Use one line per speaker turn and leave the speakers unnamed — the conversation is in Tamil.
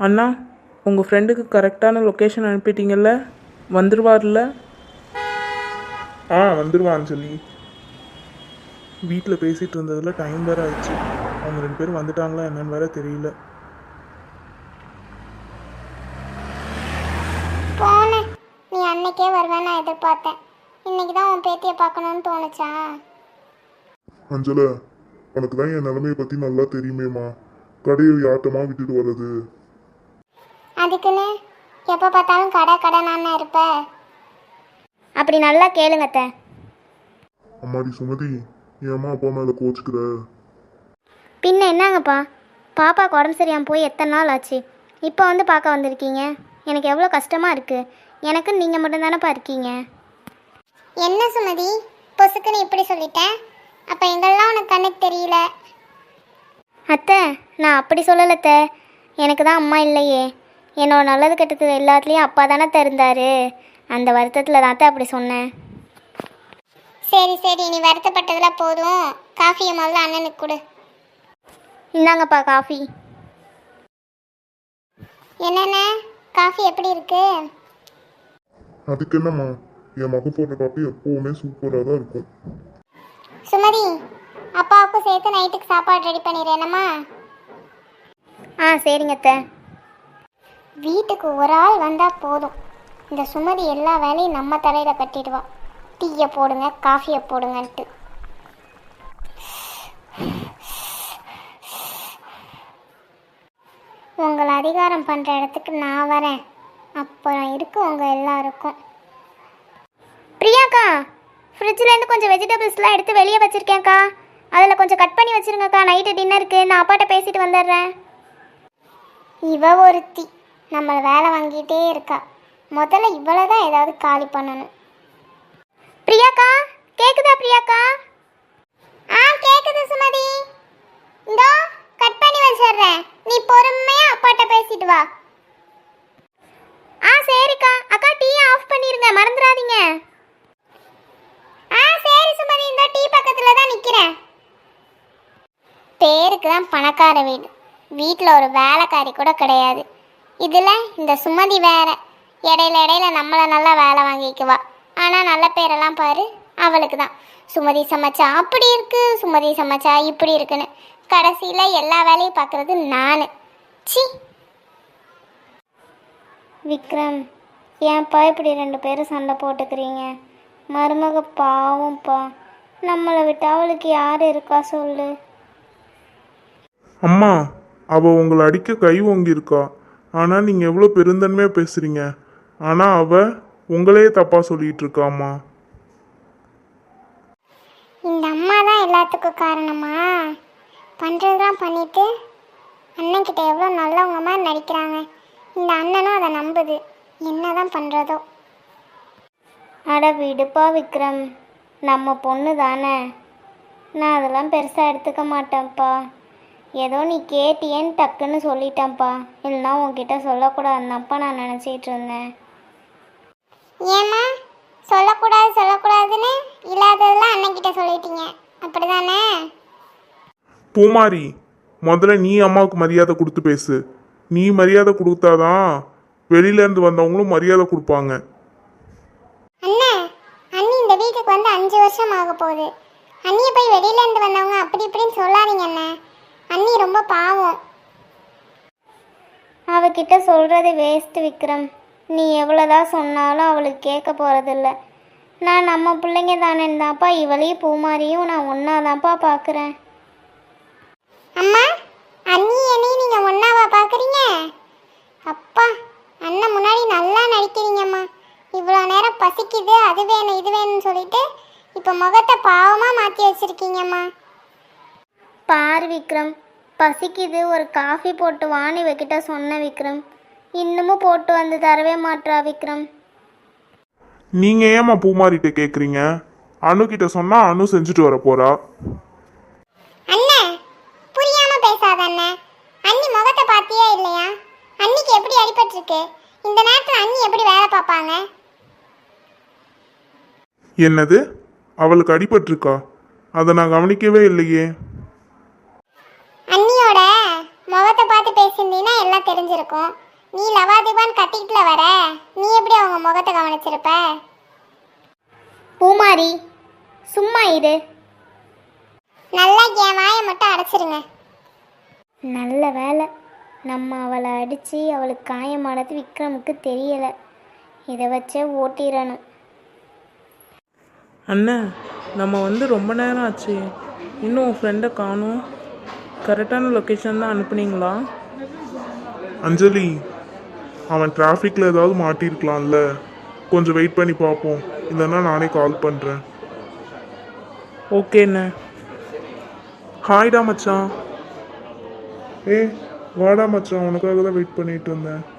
அண்ணா, உங்கள் ஃப்ரெண்டுக்கு கரெக்டான லொக்கேஷன் அனுப்பிட்டீங்கல்ல? வந்துடுவார்ல?
வந்துடுவான்னு சொல்லி வீட்டில் பேசிகிட்டு இருந்ததில் டைம் வேறு ஆயிடுச்சு. அவங்க 2 பேரும் வந்துட்டாங்களா என்னன்னு வேற தெரியல.
போனேன். நீ அன்னைக்கே வருவேன்னு நான் எதிர்பார்த்தேன். இன்னைக்கு தான் உன் பேத்தியை பார்க்கணுன்னு தோணுச்சா?
அஞ்சல, உனக்கு தான் என் நிலைமையை பற்றி நல்லா தெரியுமேம்மா. கடையை யார்ட்டமா விட்டுட்டு வர்றது?
அதுக்குன்னு எப்போ பார்த்தாலும் கடை கடை நான் இருப்ப. அப்படி நல்லா கேளுங்க அத்தை.
அம்மாடி சுமதி, என் அம்மா அப்பா மேலே கோச்சுக்கிற?
பின்ன என்னங்கப்பா, பாப்பாவுக்கு உடம்பு சரியாமல் போய் எத்தனை நாள் ஆச்சு. இப்போ வந்து பார்க்க வந்திருக்கீங்க. எனக்கு எவ்வளோ கஷ்டமாக இருக்குது. எனக்கு நீங்கள் மட்டும்தானப்பா இருக்கீங்க. என்ன சுமதி, பொசுக்குன்னு இப்படி சொல்லிட்டேன். அப்போ எங்கெல்லாம் உனக்கு கண்ணுக்கு தெரியல? அத்தை, நான் அப்படி சொல்லலத்த. எனக்கு தான் அம்மா இல்லையே. என்னோட நல்லது கெட்டது எல்லாத்துலேயும் அப்பா தானே இருந்தார். அந்த வருத்தத்தில் தான் அப்படி சொன்னேன். சரி சரி, நீ வருத்தப்பட்டதில் போதும். காஃபியை முதல்ல அண்ணனுக்கு கொடு. இந்தாங்கப்பா காஃபி. என்னென்ன காஃபி எப்படி இருக்கு?
அதுக்கு என்னம்மா, என் மகன் போடுற காப்பி எப்போவுமே சூப்பராக தான் இருக்கும்.
சுமதி, அப்பாவுக்கும் சேர்த்து நைட்டுக்கு சாப்பாடு ரெடி பண்ணிடுறேனம்மா. சரிங்க அத்தை. வீட்டுக்கு ஒரு ஆள் வந்தால் போதும். இந்த சுமதி எல்லா வேலையும் நம்ம தலையில் கட்டிடுவா. டீயை போடுங்க, காஃபியை போடுங்கன்ட்டு. உங்களை அதிகாரம் பண்ணுற இடத்துக்கு நான் வரேன். அப்புறம் இருக்கு உங்கள் எல்லாருக்கும். பிரியாக்கா, ஃப்ரிட்ஜ்லேருந்து கொஞ்சம் வெஜிடபிள்ஸ்லாம் எடுத்து வெளியே வச்சுருக்கேன்க்கா. அதில் கொஞ்சம் கட் பண்ணி வச்சுருங்கக்கா. நைட்டு டின்னருக்கு நான் அப்பாட்ட பேசிட்டு வந்துடுறேன். இவ ஒருத்தி நம்மளை வேலை வாங்கிட்டே இருக்கா. முதல்ல இவ்வளோ தான் ஏதாவது காலி பண்ணணும். பிரியாக்கா, கேக்குதா பிரியாக்கா? கேக்குது சுமதி. இந்தோ கட் பண்ணி வச்சிடுறேன். நீ பொறுமையா அப்பாட்ட பேசிட்டு வா. சரிக்கா. அக்கா டீயை ஆஃப் பண்ணிருங்க, மறந்துடாதீங்க. சரி சுமதி, இந்த டீ பக்கத்தில் தான் நிற்கிறேன். பேருக்கு தான் பணக்கார வீடு. வீட்டில் ஒரு வேலைக்காரி கூட கிடையாது. இதில் இந்த சுமதி வேற. இடையில நம்மளை நல்லா வேலை வாங்கிக்குவா. ஆனால் நல்ல பேரெல்லாம் பாரு அவளுக்கு தான். சுமதி சமைச்சா அப்படி இருக்கு, சுமதி சமைச்சா இப்படி இருக்குன்னு கடைசியில் எல்லா வேலையும் பார்க்குறது நான். சி விக்ரம், ஏன்ப்பா இப்படி 2 பேரும் சண்டை போட்டுக்கிறீங்க? மருமக பாவம்ப்பா. நம்மளை விட்டு அவளுக்கு யார் இருக்கா சொல்லு.
அம்மா, அவள் உங்களை அடிக்க கை ஓங்கியிருக்கா. ஆனால் நீங்கள் எவ்வளோ பெருந்தன்மையாக பேசுகிறீங்க. ஆனால் அவள் உங்களையே தப்பாக சொல்லிகிட்டு இருக்காம்மா.
இந்த அம்மா தான் எல்லாத்துக்கும் காரணமா? பண்ணுறதுலாம் பண்ணிட்டு அண்ணன்கிட்ட எவ்வளோ நல்லவங்க மாதிரி நடிக்கிறாங்க. இந்த அண்ணனும் அதை நம்புது. என்ன தான் பண்ணுறதோ. அட விடுப்பா விக்ரம், நம்ம பொண்ணு தானே. நான் அதெல்லாம் பெருசாக எடுத்துக்க மாட்டேன்ப்பா. ஏதோ நீ கேட்டியேன்னு டக்குன்னு சொல்லிட்டேன்ப்பா. இல்லைனா உன்கிட்ட சொல்லக்கூடாதுன்னாப்பா நான் நினச்சிட்டு இருந்தேன். ஏம்மா சொல்லக்கூடாதுன்னு இல்லாததெல்லாம் அண்ணன்கிட்ட சொல்லிட்டீங்க, அப்படி தானே?
பூமாரி, முதல்ல நீ அம்மாவுக்கு மரியாதை கொடுத்து பேசு. நீ மரியாதை கொடுத்தாதான் வெளியிலேருந்து வந்தவங்களும் மரியாதை கொடுப்பாங்க.
அண்ணி இந்த வீட்டுக்கு வந்து 5 வருஷம் ஆக போகுது. அண்ணியை போய் வெளியிலேருந்து வந்தவங்க அப்படி இப்படின்னு சொல்லாதீங்க அண்ணே. அண்ணி ரொம்ப பாவம். அவகிட்ட சொல்கிறது வேஸ்ட் விக்ரம். நீ எவ்வளோதான் சொன்னாலும் அவளுக்கு கேட்க போகிறதில்ல. நான் நம்ம பிள்ளைங்க தானேந்தாப்பா இவளையும் பூமாரியும் நான் ஒன்றாதான்ப்பா பார்க்குறேன். அம்மா, அண்ணி என்னையும் நீங்கள் ஒன்றாவா பார்க்குறீங்க? அப்பா, அண்ணன் முன்னாடி நல்லா நடிக்கிறீங்கம்மா. இவ்வளோ நேரம் பசிக்குது, அது வேணும் இது வேணும்னு சொல்லிட்டு இப்போ முகத்தை பாவமாக மாற்றி வச்சுருக்கீங்கம்மா. பாரு விக்ரம், பசிக்குது, ஒரு காஃபி போட்டு வான்னு இவகிட்ட சொன்ன விக்ரம். இன்னமும் போட்டு வந்து தரவே மாட்றா விக்ரம்.
நீங்கள் ஏம்மா பூமாரிட்ட கேட்குறீங்க? அணுக்கிட்ட சொன்னால் அணு செஞ்சுட்டு வர போகிறா.
அண்ணே, புரியாம பேசாத அண்ணே. அண்ணி முகத்தை பார்த்தியே இல்லையா? அண்ணிக்கு எப்படி அடிபட்டிருக்கு? இந்த நேரத்தில் அண்ணி எப்படி வேலை பார்ப்பாங்க?
என்னது, அவளுக்கு அடிபட்டிருக்கா? அதை நான் கவனிக்கவே இல்லையே.
அண்ணியோட முகத்தை பார்த்து பேசி வச்சிருந்தீன்னா எல்லாம் தெரிஞ்சிருக்கும். நீ லவாதிபான் கட்டிக்கிட்டுல வர, நீ எப்படி அவங்க முகத்தை கவனிச்சிருப்ப? பூமாரி சும்மா இரு. நல்லா என் வாயை மட்டும் அடைச்சிருங்க. நல்ல வேலை, நம்ம அவளை அடித்து அவளுக்கு காயமானது விக்ரமுக்கு தெரியலை. இதை வச்சே ஓட்டிடணும்.
அண்ணன், நம்ம வந்து ரொம்ப நேரம் ஆச்சு, இன்னும் உன் ஃப்ரெண்டை காணும். கரெக்டான லொக்கேஷன் தான் அனுப்புனீங்களா?
அஞ்சலி, அவன் டிராஃபிக்கில் ஏதாவது மாட்டியிருக்கலாம்ல, கொஞ்சம் வெயிட் பண்ணி பார்ப்போம். இல்லைன்னா நானே கால் பண்ணுறேன்.
ஓகேண்ணே.
ஹாய்டா மச்சான். ஏய் வாடா மச்சான், உனக்காக தான் வெயிட் பண்ணிட்டு இருந்தேன்.